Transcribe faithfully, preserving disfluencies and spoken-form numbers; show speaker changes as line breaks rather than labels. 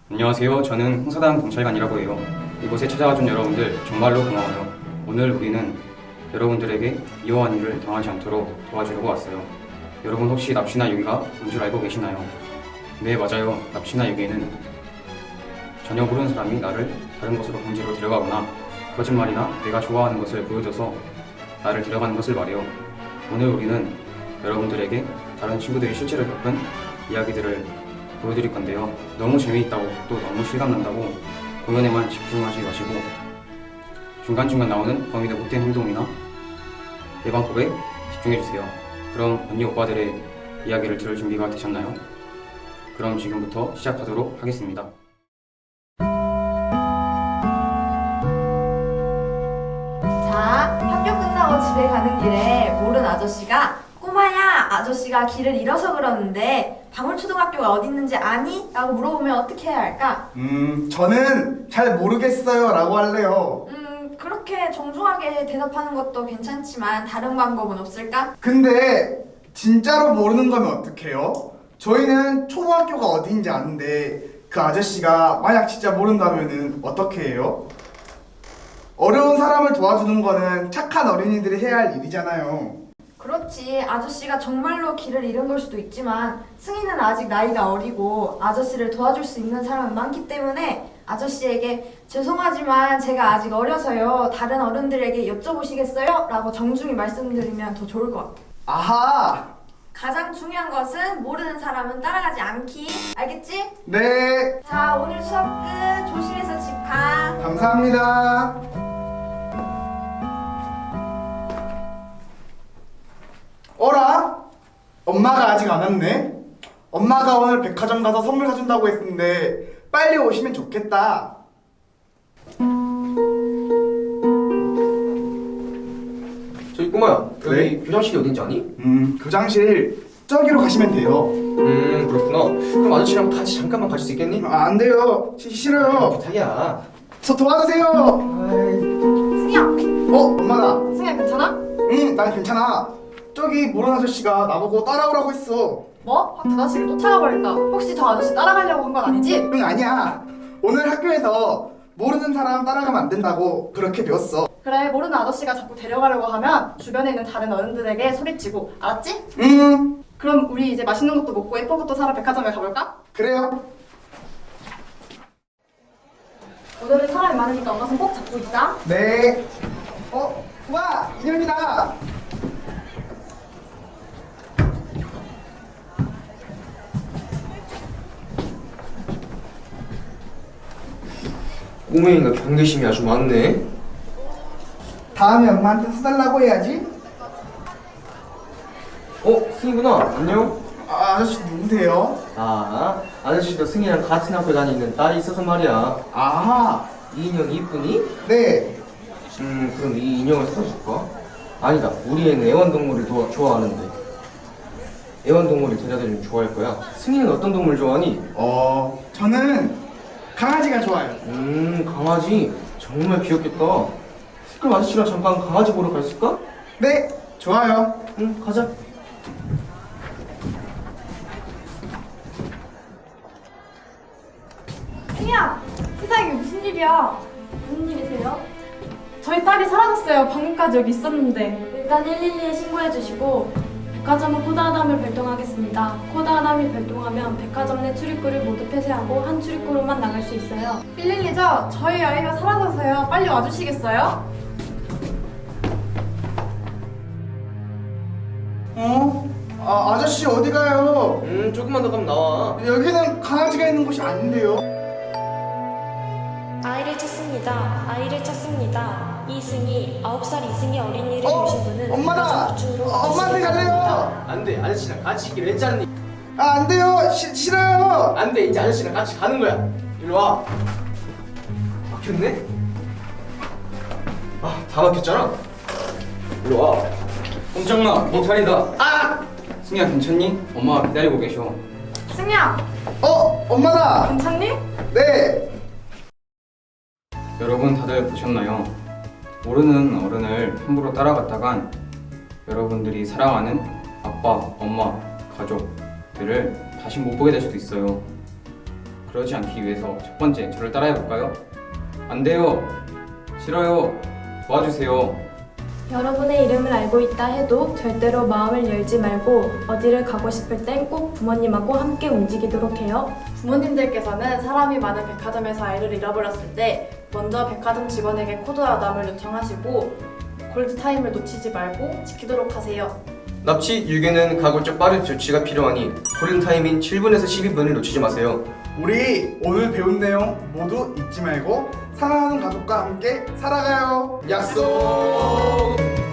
안녕하세요. 저는 홍사당 경찰관이라고 해요. 이곳에 찾아와준 여러분들 정말로 고마워요. 오늘 우리는 여러분들에게 이러한 일을 당하지 않도록 도와주려고 왔어요. 여러분 혹시 납치나 유기가 뭔 줄 알고 계시나요? 네, 맞아요. 납치나 유기는 전혀 모르는 사람이 나를 다른 곳으로 강제로 데려가거나 거짓말이나 내가 좋아하는 것을 보여줘서 나를 데려가는 것을 말해요. 오늘 우리는 여러분들에게 다른 친구들이 실제로 겪은 이야기들을 보여드릴 건데요. 너무 재미있다고 또 너무 실감난다고 공연에만 집중하지 마시고 중간중간 나오는 범인의 못된 행동이나 예방법에 집중해주세요. 그럼 언니 오빠들의 이야기를 들을 준비가 되셨나요? 그럼 지금부터 시작하도록 하겠습니다.
자, 학교 끝나고 집에 가는 길에 모른 아저씨가 꼬마야, 아저씨가 길을 잃어서 그러는데 방울초등학교가 어디 있는지 아니? 라고 물어보면 어떻게 해야 할까?
음, 저는 잘 모르겠어요 라고 할래요.
음, 그렇게 정중하게 대답하는 것도 괜찮지만 다른 방법은 없을까?
근데 진짜로 모르는 거면 어떡해요? 저희는 초등학교가 어디인지 아는데 그 아저씨가 만약 진짜 모른다면은 어떻게 해요? 어려운 사람을 도와주는 거는 착한 어린이들이 해야 할 일이잖아요.
그렇지, 아저씨가 정말로 길을 잃은 걸 수도 있지만 승희는 아직 나이가 어리고 아저씨를 도와줄 수 있는 사람은 많기 때문에 아저씨에게 죄송하지만 제가 아직 어려서요, 다른 어른들에게 여쭤보시겠어요? 라고 정중히 말씀드리면 더 좋을 것 같아.
아하!
가장 중요한 것은 모르는 사람은 따라가지 않기. 알겠지?
네,
자, 오늘 수업 끝. 조심해서 집 가.
감사합니다. 어라? 엄마가 아직 안 왔네? 엄마가 오늘 백화점 가서 선물 사준다고 했는데 빨리 오시면 좋겠다.
저기 꼬마야, 여기
네?
교장실이 어딘지 아니?
음, 교장실 저기로 가시면 돼요.
음, 그렇구나. 그럼 아저씨랑 같이 잠깐만 가실 수 있겠니?
아, 안 돼요. 시, 싫어요.
부탁이야.
저 도와주세요.
아이,
승희야,
어, 엄마다.
승희야 괜찮아?
응, 난 괜찮아. 저기 모르는 아저씨가 나보고 따라오라고 했어.
뭐? 박 아저씨를 쫓아가버렸다. 혹시 저 아저씨 따라가려고 한 건 아니지?
응, 아니야. 오늘 학교에서 모르는 사람 따라가면 안 된다고 그렇게 배웠어.
그래, 모르는 아저씨가 자꾸 데려가려고 하면 주변에 있는 다른 어른들에게 소리치고, 알았지?
응,
그럼 우리 이제 맛있는 것도 먹고 예쁜 것도 사러 백화점에 가볼까?
그래요.
오늘은 사람이 많으니까 엄마 손 꼭 잡고 있자.
네. 어, 와, 인형이다.
꼬맹이가 경계심이 아주 많네.
다음에 엄마한테 사달라고 해야지.
어, 승희구나. 안녕.
아, 아저씨 누구세요?
아, 아저씨도 승희랑 같은 학교 다니는 딸이 있어서 말이야.
아,
이 인형이 이쁘니?
네.
음, 그럼 이 인형을 사다 줄까? 아니다. 우리 애는 애완동물을 도, 좋아하는데. 애완동물을 데려다주면 좋아할 거야. 승희는 어떤 동물 좋아하니?
어, 저는 강아지가 좋아요.
음, 강아지. 정말 귀엽겠다. 그럼 아저씨랑 잠깐 강아지 보러 갔을까?
네, 좋아요.
응, 가자.
승희야! 세상에 무슨 일이야? 무슨 일이세요? 저희 딸이 사라졌어요. 방금까지 여기 있었는데.
일단 일일이에 신고해주시고 백화점은 코드하담을 발동하겠습니다. 코드하담이 발동하면 백화점 내 출입구를 모두 폐쇄하고 한 출입구로만 나갈 수 있어요.
일일이죠? 저희 아이가 사라져서요. 빨리 와주시겠어요?
어? 아, 아저씨 어디 가요?
음, 조금만 더 가면 나와.
여기는 강아지가 있는 곳이 아닌데요.
아이를 찾습니다. 아이를 찾습니다. 이승희, 아홉 살 이승희 어린이를
어?
보신 분은
엄마다!
백화점 구층으로
어, 엄마한테 갈래요!
안 돼. 아저씨랑 같이 있기로 했잖니.
아, 안 돼요! 시, 싫어요!
안 돼. 이제 아저씨랑 같이 가는 거야. 일로 와. 막혔네? 아, 다 막혔잖아. 일로 와.
꼼짝마, 경찰이다. 아! 승희야 괜찮니? 엄마가 기다리고 계셔.
승희야!
어, 엄마다!
괜찮니?
네!
여러분 다들 보셨나요? 모르는 어른을 함부로 따라갔다간 여러분들이 사랑하는 아빠, 엄마, 가족들을 다시 못 보게 될 수도 있어요. 그러지 않기 위해서 첫 번째 저를 따라해 볼까요? 안 돼요. 싫어요. 도와주세요.
여러분의 이름을 알고 있다 해도 절대로 마음을 열지 말고 어디를 가고 싶을 땐 꼭 부모님하고 함께 움직이도록 해요.
부모님들께서는 사람이 많은 백화점에서 아이를 잃어버렸을 때 먼저 백화점 직원에게 코드 아담을 요청하시고 골드타임을 놓치지 말고 지키도록 하세요.
납치, 유괴는 가급적 빠른 조치가 필요하니 골든타임인 칠 분에서 십이 분을 놓치지 마세요.
우리 오늘 배운 내용 모두 잊지 말고 사랑하는 가족과 함께 살아가요. 약속!